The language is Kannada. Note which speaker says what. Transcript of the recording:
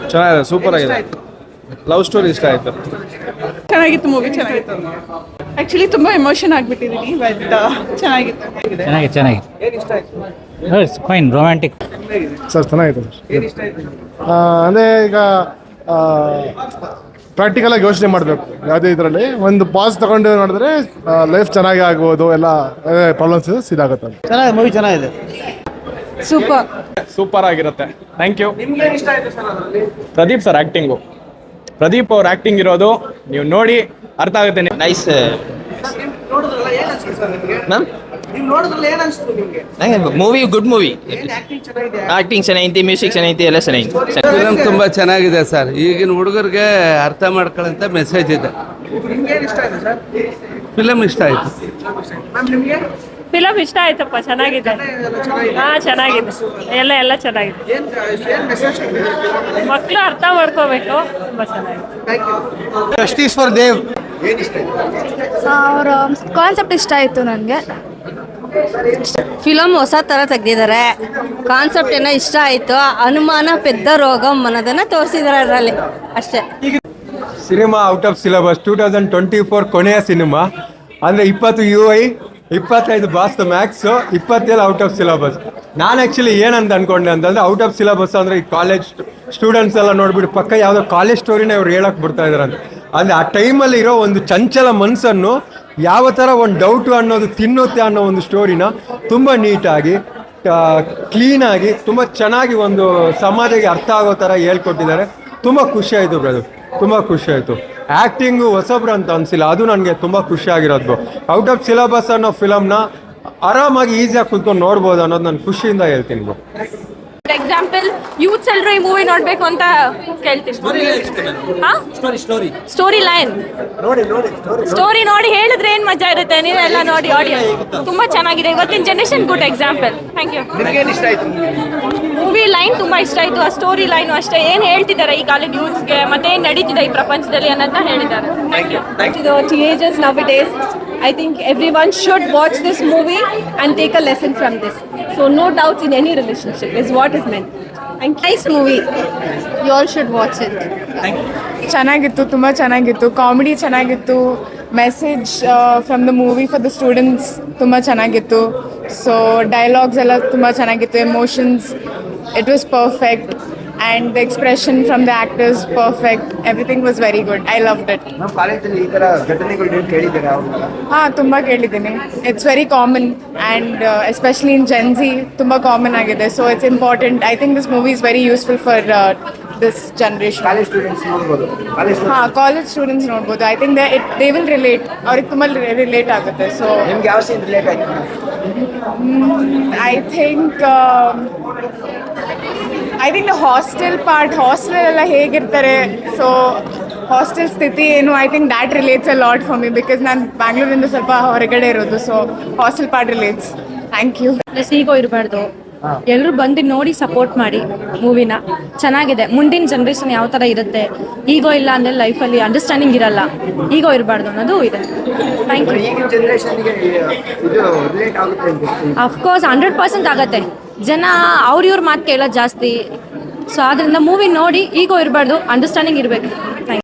Speaker 1: ಚೆನ್ನಾಗಿದೆ, ಸೂಪರ್ ಆಗಿದೆ. ಲವ್ ಸ್ಟೋರಿ ಇಷ್ಟ ಆಯ್ತು.
Speaker 2: ಚೆನ್ನಾಗಿತ್ತು ಮೂವಿ, ಚೆನ್ನಾಗಿತ್ತು. ಆಕ್ಚುಲಿ ತುಂಬಾ ಎಮೋಷನ್ ಆಗ್ಬಿಟ್ಟಿದ್ದೀನಿ, ಬಟ್ ಚೆನ್ನಾಗಿತ್ತು.
Speaker 3: It's fine, romantic.
Speaker 4: ಸರ್ ಚೆನ್ನಾಗಿದೆ. ಅಂದರೆ ಈಗ ಪ್ರಾಕ್ಟಿಕಲಾಗಿ ಯೋಚನೆ ಮಾಡಬೇಕು ಯಾವುದೇ ಇದರಲ್ಲಿ. ಒಂದು ಪಾಸ್ ತಗೊಂಡು ನೋಡಿದ್ರೆ ಲೈಫ್ ಚೆನ್ನಾಗಿ ಆಗ್ಬೋದು, ಎಲ್ಲ ಪ್ರಾಬ್ಲಮ್ಸ್ ಇದಾಗುತ್ತೆ.
Speaker 3: ಚೆನ್ನಾಗಿದೆ, ಮೂವಿ ಚೆನ್ನಾಗಿದೆ.
Speaker 1: ಸೂಪರ್ ಆಗಿರುತ್ತೆ. Thank you. Pradeep sir acting, Pradeep ಅವ್ರ ಆ್ಯಕ್ಟಿಂಗ್ ಇರೋದು ನೀವು ನೋಡಿ ಅರ್ಥ ಆಗುತ್ತೆ.
Speaker 5: Nice ma'am. ನಂಗೆ ಮೂವಿ ಗುಡ್ ಮೂವಿ. ಆಕ್ಟಿಂಗ್ ಚೆನ್ನಾಗೈತಿ, ಮ್ಯೂಸಿಕ್ ಚೆನ್ನಾಗೈತಿ, ಎಲ್ಲ ಚೆನ್ನಾಗೈತಿ.
Speaker 6: ಫಿಲಮ್ ತುಂಬ ಚೆನ್ನಾಗಿದೆ ಸರ್. ಈಗಿನ ಹುಡುಗರಿಗೆ ಅರ್ಥ ಮಾಡ್ಕೊಳ್ಳೋಂಥ ಮೆಸೇಜ್ ಇದೆ. ಫಿಲಮ್ ಇಷ್ಟ ಆಯಿತು.
Speaker 7: ಫಿಲಮ್ ಇಷ್ಟ ಆಯ್ತಪ್ಪ, ಚೆನ್ನಾಗಿದೆ. ಚೆನ್ನಾಗಿದೆ, ಎಲ್ಲ ಚೆನ್ನಾಗಿದೆ. ಮಕ್ಕಳು ಅರ್ಥ ಮಾಡ್ಕೋಬೇಕು, ತುಂಬಾ ಚೆನ್ನಾಗಿದೆ.
Speaker 4: ಜಸ್ಟಿಸ್ ಫಾರ್ ದೇವ್
Speaker 8: ಅವರ ಕಾನ್ಸೆಪ್ಟ್ ಇಷ್ಟ ಆಯಿತು ನನಗೆ. ಫಿಲಮ್ ಹೊಸ ಥರ ತೆಗ್ದಿದ್ದಾರೆ, ಕಾನ್ಸೆಪ್ಟ್ ಏನೋ ಇಷ್ಟ ಆಯಿತು. ಅನುಮಾನ ಪೆದ್ದ ರೋಗಂ ಅನ್ನೋದನ್ನು ತೋರಿಸಿದ್ದಾರೆ ಅದರಲ್ಲಿ, ಅಷ್ಟೇ.
Speaker 9: ಸಿನಿಮಾ ಔಟ್ ಆಫ್ ಸಿಲೆಬಸ್ 2024 ಕೊನೆಯ ಸಿನಿಮಾ. ಅಂದರೆ 20 UI, 25 boss max, 27 out of syllabus. ನಾನು ಆ್ಯಕ್ಚುಲಿ ಏನಂತ ಅಂದ್ಕೊಂಡೆ ಅಂತಂದರೆ, ಔಟ್ ಆಫ್ ಸಿಲೆಬಸ್ ಅಂದರೆ ಈ ಕಾಲೇಜ್ ಸ್ಟೂಡೆಂಟ್ಸ್ ಎಲ್ಲ ನೋಡ್ಬಿಟ್ಟು ಪಕ್ಕ ಯಾವುದೋ ಕಾಲೇಜ್ ಸ್ಟೋರಿನ ಇವ್ರು ಹೇಳಕ್ಕೆ ಬಿಡ್ತಾ ಇದ್ದಾರೆ ಅಂತ. ಅಂದರೆ ಆ ಟೈಮಲ್ಲಿ ಇರೋ ಒಂದು ಚಂಚಲ ಮನಸ್ಸನ್ನು ಯಾವ ಥರ ಒಂದು ಡೌಟು ಅನ್ನೋದು ತಿನ್ನುತ್ತೆ ಅನ್ನೋ ಒಂದು ಸ್ಟೋರಿನ ತುಂಬ ನೀಟಾಗಿ, ಕ್ಲೀನಾಗಿ, ತುಂಬ ಚೆನ್ನಾಗಿ ಒಂದು ಸಮಾಜಕ್ಕೆ ಅರ್ಥ ಆಗೋ ಥರ ಹೇಳ್ಕೊಟ್ಟಿದ್ದಾರೆ. ತುಂಬ ಖುಷಿ ಆಯಿತು ಬ್ರದರ್, ತುಂಬ ಖುಷಿ ಆಯಿತು. ಆ್ಯಕ್ಟಿಂಗು ಹೊಸಬ್ರು ಅಂತ ಅನಿಸಿಲ್ಲ, ಅದು ನನಗೆ ತುಂಬ ಖುಷಿಯಾಗಿರೋದು. ಔಟ್ ಆಫ್ ಸಿಲೆಬಸ್ ಅನ್ನೋ ಫಿಲಮ್ನ ಆರಾಮಾಗಿ ಈಸಿಯಾಗಿ ಕುತ್ಕೊಂಡು ನೋಡ್ಬೋದು ಅನ್ನೋದು ನಾನು ಖುಷಿಯಿಂದ ಹೇಳ್ತೀನಿ ಬ್ರೋ.
Speaker 7: ಎಕ್ಸಾಂಪಲ್ ಯೂತ್ಸ್ ಎಲ್ಲರೂ ಈ ಮೂವಿ ನೋಡ್ಬೇಕು ಅಂತ ಕೇಳ್ತೀನಿ. ಸ್ಟೋರಿ ಲೈನ್ ಸ್ಟೋರಿ ನೋಡಿ ಹೇಳಿದ್ರೆ ಏನ್ ಮಜಾ ಇರುತ್ತೆ. ನೀವೆಲ್ಲ ನೋಡಿ, ಆಡಿಯನ್ಸ್ ತುಂಬಾ ಚೆನ್ನಾಗಿದೆ. ಇವತ್ತಿನ generation good example. Thank you. Movie line ತುಂಬಾ ಇಷ್ಟ ಆಯ್ತು. ಆ ಸ್ಟೋರಿ ಲೈನ್ ಅಷ್ಟೇ, ಏನ್ ಹೇಳ್ತಿದ್ದಾರೆ ಈ ಕಾಲದ ಯೂತ್ಸ್ಗೆ, ಮತ್ತೆ ಏನ್ ನಡೀತಿದೆ ಈ ಪ್ರಪಂಚದಲ್ಲಿ ಅನ್ನೋದನ್ನ ಹೇಳಿದ್ದಾರೆ. Thank you.
Speaker 2: Teenagers nowadays, I think everyone should watch this movie and take a lesson from this. So no doubts in any relationship is what is meant.
Speaker 8: Nice movie, you all should watch it.
Speaker 2: ಚೆನ್ನಾಗಿತ್ತು, ತುಂಬ ಚೆನ್ನಾಗಿತ್ತು. ಕಾಮಿಡಿ ಚೆನ್ನಾಗಿತ್ತು. Message from the movie for the students ತುಂಬ ಚೆನ್ನಾಗಿತ್ತು. ಸೊ ಡೈಲಾಗ್ಸ್ ಎಲ್ಲ ತುಂಬ ಚೆನ್ನಾಗಿತ್ತು. Emotions, it was perfect. And the expression from the actors, perfect. Everything was very good. I loved it.
Speaker 3: ಕಾಲೇಜಲ್ಲಿ ಈ ಥರ ಘಟನೆಗಳು ಕೇಳಿದ್ದೀರಾ?
Speaker 2: ತುಂಬ ಕೇಳಿದ್ದೀನಿ. It's very common and especially in Gen Z ತುಂಬ ಕಾಮನ್ ಆಗಿದೆ. So it's important. I think this movie is very useful for this generation.
Speaker 3: College students ನೋಡ್ಬೋದು.
Speaker 2: ಕಾಲೇಜ್ ಸ್ಟೂಡೆಂಟ್ಸ್ ನೋಡ್ಬೋದು. I think they will relate, ಅವ್ರಿಗೆ ತುಂಬ ರಿಲೇಟ್ ಆಗುತ್ತೆ. ಸೊ
Speaker 3: ನಿಮ್ಗೆ ಯಾವ ಸೀನ್ ರಿಲೇಟ್ ಆಯ್ತು?
Speaker 2: I think the hostel part, ಹಾಸ್ಟೆಲೆಲ್ಲ ಹೇಗಿರ್ತಾರೆ, ಸೊ ಹಾಸ್ಟೆಲ್ ಸ್ಥಿತಿ ಏನು, I think that relates a lot for me, because ನಾನು ಬ್ಯಾಂಗ್ಳೂರಿಂದ ಸ್ವಲ್ಪ ಹೊರಗಡೆ ಇರೋದು. So hostel part relates. Thank you.
Speaker 7: Ego ಇರಬಾರ್ದು, ಎಲ್ಲರೂ ಬಂದು ನೋಡಿ ಸಪೋರ್ಟ್ ಮಾಡಿ ಮೂವಿನ. ಚೆನ್ನಾಗಿದೆ. ಮುಂದಿನ ಜನ್ರೇಷನ್ ಯಾವ ಥರ ಇರುತ್ತೆ, ಈಗೋ ಇಲ್ಲ ಅಂದರೆ ಲೈಫಲ್ಲಿ ಅಂಡರ್ಸ್ಟ್ಯಾಂಡಿಂಗ್ ಇರಲ್ಲ. ಈಗೋ ಇರಬಾರ್ದು ಅನ್ನೋದು ಇದೆ. Thank you. ಅಫ್ಕೋರ್ಸ್ 100% ಆಗುತ್ತೆ. ಜನ ಅವ್ರ ಮಾತು ಕೇಳೋದು ಜಾಸ್ತಿ. ಸೊ ಆದ್ದರಿಂದ ಮೂವಿ ನೋಡಿ ಈಗೋ ಇರಬಾರ್ದು, ಅಂಡರ್ಸ್ಟ್ಯಾಂಡಿಂಗ್ ಇರಬೇಕು.